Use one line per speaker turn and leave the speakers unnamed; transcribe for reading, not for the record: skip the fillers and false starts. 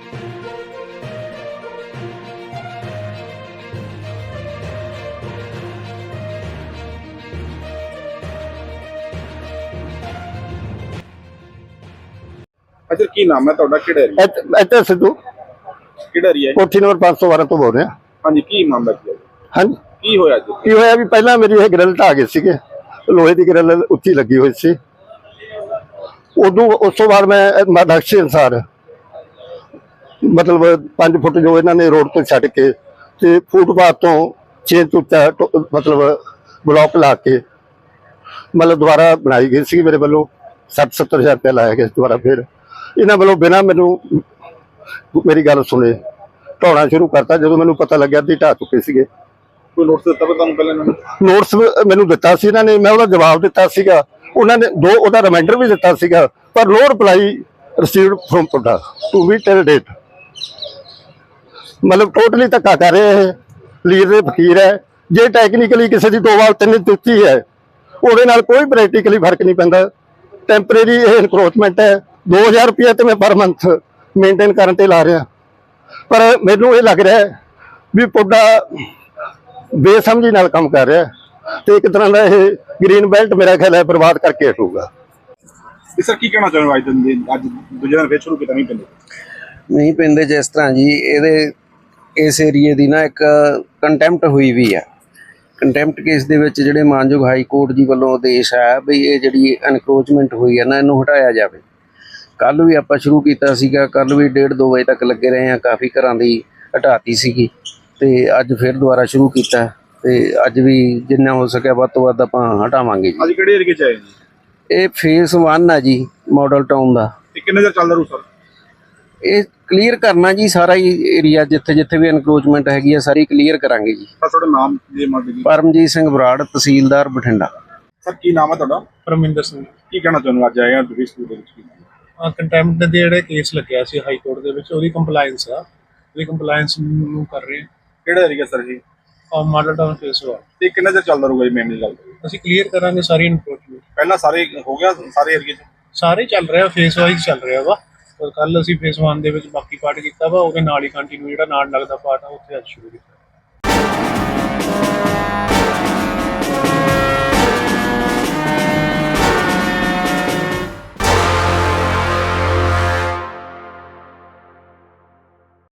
अच्छा की नाम है ਤੁਹਾਡਾ ਕਿਹੜਾ ਏਰੀਆ
ਇੱਥੇ ਸਿੱਧੂ
ਕਿਹੜਾ ਏਰੀਆ ਹੈ
ਕੋਠੀ ਨੰਬਰ 512 ਤੋਂ ਬੋਲ ਰਿਹਾ।
ਹਾਂਜੀ ਕੀ ਮਾਮਲਾ ਕੀ ਹੈ
ਹਾਂਜੀ
ਕੀ ਹੋਇਆ ਅੱਜ
ਕੀ ਹੋਇਆ ਵੀ ਪਹਿਲਾਂ ਮੇਰੀ ਇਹ ਗ੍ਰਿਲ ਢਾਹ ਗਏ ਸੀਗੇ, ਲੋਹੇ ਦੀ ਗ੍ਰਿਲ ਉੱਚੀ ਲੱਗੀ ਹੋਈ ਸੀ। ਉਦੋਂ ਉਸ ਤੋਂ ਬਾਅਦ ਮੈਂ ਨਕਸ਼ੇ ਅਨੁਸਾਰ ਮਤਲਬ 5 ਫੁੱਟ ਜੋ ਇਹਨਾਂ ਨੇ ਰੋਡ ਤੋਂ ਛੱਡ ਕੇ ਤੇ ਫੁੱਟਪਾਥ ਤੋਂ 6 ਤੋਂ ਮਤਲਬ ਬਲੌਕ ਲਾ ਕੇ ਮਤਲਬ ਦੁਬਾਰਾ ਬਣਾਈ ਗਈ ਸੀ। ਮੇਰੇ ਵੱਲੋਂ 60-70 ਹਜ਼ਾਰ ਰੁਪਇਆ ਲਾਇਆ ਗਿਆ ਦੁਬਾਰਾ। ਫਿਰ ਇਹਨਾਂ ਵੱਲੋਂ ਬਿਨਾਂ ਮੈਨੂੰ ਮੇਰੀ ਗੱਲ ਸੁਣੇ ਢਾਉਣਾ ਸ਼ੁਰੂ ਕਰਤਾ। ਜਦੋਂ ਮੈਨੂੰ ਪਤਾ ਲੱਗਿਆ ਕਿ ਢਾਹ ਚੁੱਕੇ ਸੀਗੇ।
ਕੋਈ ਨੋਟਿਸ ਦਿੱਤਾ ਤੁਹਾਨੂੰ ਪਹਿਲਾਂ ਇਹਨਾਂ ਨੇ?
ਨੋਟਿਸ ਮੈਨੂੰ ਦਿੱਤਾ ਸੀ ਇਹਨਾਂ ਨੇ, ਮੈਂ ਉਹਦਾ ਜਵਾਬ ਦਿੱਤਾ ਸੀਗਾ। ਉਹਨਾਂ ਨੇ ਉਹਦਾ ਰਿਮਾਈਂਡਰ ਵੀ ਦਿੱਤਾ ਸੀਗਾ, ਪਰ ਨੋ ਰਿਪਲਾਈ ਰਿਸੀਵਡ ਫਰੋਮ ਤੁਹਾਡਾ ਟੂ ਬੀ ਟਿਲ ਡੇਟ। ਮਤਲਬ ਟੋਟਲੀ ਧੱਕਾ ਕਰ ਰਹੇ ਇਹ ਲੀਰ ਦੇ ਫਕੀਰ ਹੈ। ਜੇ ਟੈਕਨੀਕਲੀ ਕਿਸੇ ਦੀ 2 ਵਾਰ 3 ਦਿੱਤੀ ਹੈ ਉਹਦੇ ਨਾਲ ਕੋਈ ਪ੍ਰੈਕਟੀਕਲੀ ਫਰਕ ਨਹੀਂ ਪੈਂਦਾ। ਟੈਂਪਰੇਰੀ ਇਹ ਇਨਕਰੋਚਮੈਂਟ ਹੈ। 2000 ਰੁਪਏ ਤੇ ਮੈਂ ਪਰ ਮੰਥ ਮੇਨਟੇਨ ਕਰਨ ਤੇ ਲਾ ਰਿਹਾ, ਪਰ ਮੈਨੂੰ ਇਹ ਲੱਗ ਰਿਹਾ ਵੀ ਪੁੱਡਾ ਬੇਸਮਝੀ ਨਾਲ ਕੰਮ ਕਰ ਰਿਹਾ ਤੇ ਇੱਕ ਤਰ੍ਹਾਂ ਦਾ ਇਹ ਗ੍ਰੀਨ ਬੈਲਟ ਮੇਰਾ ਖਿਆਲ ਹੈ ਬਰਬਾਦ ਕਰਕੇ ਹਟੂਗਾ।
ਸਰ ਕੀ ਕਹਿਣਾ ਚਾਹੁੰਦੇ ਅੱਜ ਦੂਜੇ ਦਿਨ ਫੇਰ ਸ਼ੁਰੂ ਕੀਤਾ ਨਹੀਂ
ਪੈਂਦੇ ਜਿਸ ਤਰ੍ਹਾਂ ਜੀ ਇਹਦੇ ਇਸ ਏਰੀਏ ਦੀ ਨਾ ਇੱਕ ਕੰਟੈਂਪਟ ਹੋਈ ਵੀ ਆ। ਕੰਟੈਂਪਟ ਕੇਸ ਦੇ ਵਿੱਚ ਜਿਹੜੇ ਮਾਨਯੋਗ ਹਾਈ ਕੋਰਟ ਜੀ ਵੱਲੋਂ ਆਦੇਸ਼ ਹੈ ਵੀ ਇਹ ਜਿਹੜੀ ਐਨਕਰੋਚਮੈਂਟ ਹੋਈ ਹੈ ਨਾ ਇਹਨੂੰ ਹਟਾਇਆ ਜਾਵੇ। ਕੱਲ੍ਹ ਵੀ ਆਪਾਂ ਸ਼ੁਰੂ ਕੀਤਾ ਸੀਗਾ, ਕੱਲ੍ਹ ਵੀ 1:30-2 ਵਜੇ ਤੱਕ ਲੱਗੇ ਰਹੇ ਹਾਂ। ਕਾਫੀ ਘਰਾਂ ਦੀ ਹਟਾਤੀ ਸੀਗੀ ਤੇ ਅੱਜ ਫਿਰ ਦੁਬਾਰਾ ਸ਼ੁਰੂ ਕੀਤਾ ਤੇ ਅੱਜ ਵੀ ਜਿੰਨਾ ਹੋ ਸਕਿਆ ਵੱਧ ਤੋਂ ਵੱਧ ਆਪਾਂ ਹਟਾਵਾਂਗੇ ਜੀ।
ਅੱਜ ਕਿਹੜੇ ਏਰੀਏ 'ਚ ਆਏ ਜੀ?
ਇਹ ਫੇਸ 1 ਆ ਜੀ ਮਾਡਲ ਟਾਊਨ ਦਾ।
ਇਹ ਕਿੰਨੇ ਚਿਰ ਚੱਲਦਾ ਰੂ ਸਰ?
ਇਹ ਕਲੀਅਰ ਕਰਨਾ ਜੀ ਸਾਰਾ ਹੀ ਏਰੀਆ, ਜਿੱਥੇ ਜਿੱਥੇ ਵੀ ਐਨਕਰੋਚਮੈਂਟ ਹੈਗੀ ਆ ਸਾਰੀ ਕਲੀਅਰ ਕਰਾਂਗੇ ਜੀ।
ਸਰ ਤੁਹਾਡਾ ਨਾਮ ਜੀ? ਮਾਡਲ
ਪਰਮਜੀਤ ਸਿੰਘ ਬਰਾੜ, ਤਹਿਸੀਲਦਾਰ ਬਠਿੰਡਾ।
ਸਰ ਕੀ ਨਾਮ ਹੈ ਤੁਹਾਡਾ?
ਪਰਮਿੰਦਰ ਸਿੰਘ।
ਕੀ ਕਹਿਣਾ ਚਾਹੁੰਦੇ ਅੱਜ ਆਏ ਆ ਤੁਸੀਂ ਸਕੂਲ ਦੇ ਵਿੱਚ?
ਕੰਟੈਂਪਟ ਦੇ ਜਿਹੜੇ ਕੇਸ ਲੱਗਿਆ ਸੀ ਹਾਈ ਕੋਰਟ ਦੇ ਵਿੱਚ ਉਹਦੀ ਕੰਪਲਾਈਂਸ ਆ, ਉਹਦੀ ਕੰਪਲਾਈਂਸ ਨੂੰ ਕਰ ਰਹੇ ਹਾਂ।
ਕਿਹੜਾ ਏਰੀਆ ਸਰ ਜੀ?
ਮਾਡਲ ਟਾਊਨ ਫੇਸ 1।
ਤੇ ਕਿੰਨੇ ਚਿਰ ਚੱਲਦਾ ਰਹੂਗਾ ਜੀ ਮੇਨ ਗੱਲ?
ਅਸੀਂ ਕਲੀਅਰ ਕਰਾਂਗੇ ਸਾਰੀ ਇਨਕਰੋਚਮੈਂਟ।
ਪਹਿਲਾਂ ਸਾਰੇ ਹੋ ਗਿਆ ਸਾਰੇ ਏਰੀਏ 'ਚ?
ਸਾਰੇ ਚੱਲ ਰਿਹਾ, ਫੇਸ ਵਾਈਜ਼ ਚੱਲ ਰਿਹਾ ਵਾ। ਪਰ ਕੱਲ ਅਸੀਂ ਫੇਸ 1 ਦੇ ਵਿੱਚ ਬਾਕੀ ਪਾਰਟ ਕੀਤਾ ਵਾ, ਉਹਦੇ ਨਾਲ ਹੀ ਕੰਟੀਨਿਊ ਜਿਹੜਾ ਨਾਲ ਲੱਗਦਾ ਪਾਰਟ ਆ ਉੱਥੇ ਅੱਜ ਸ਼ੁਰੂ ਕੀਤਾ।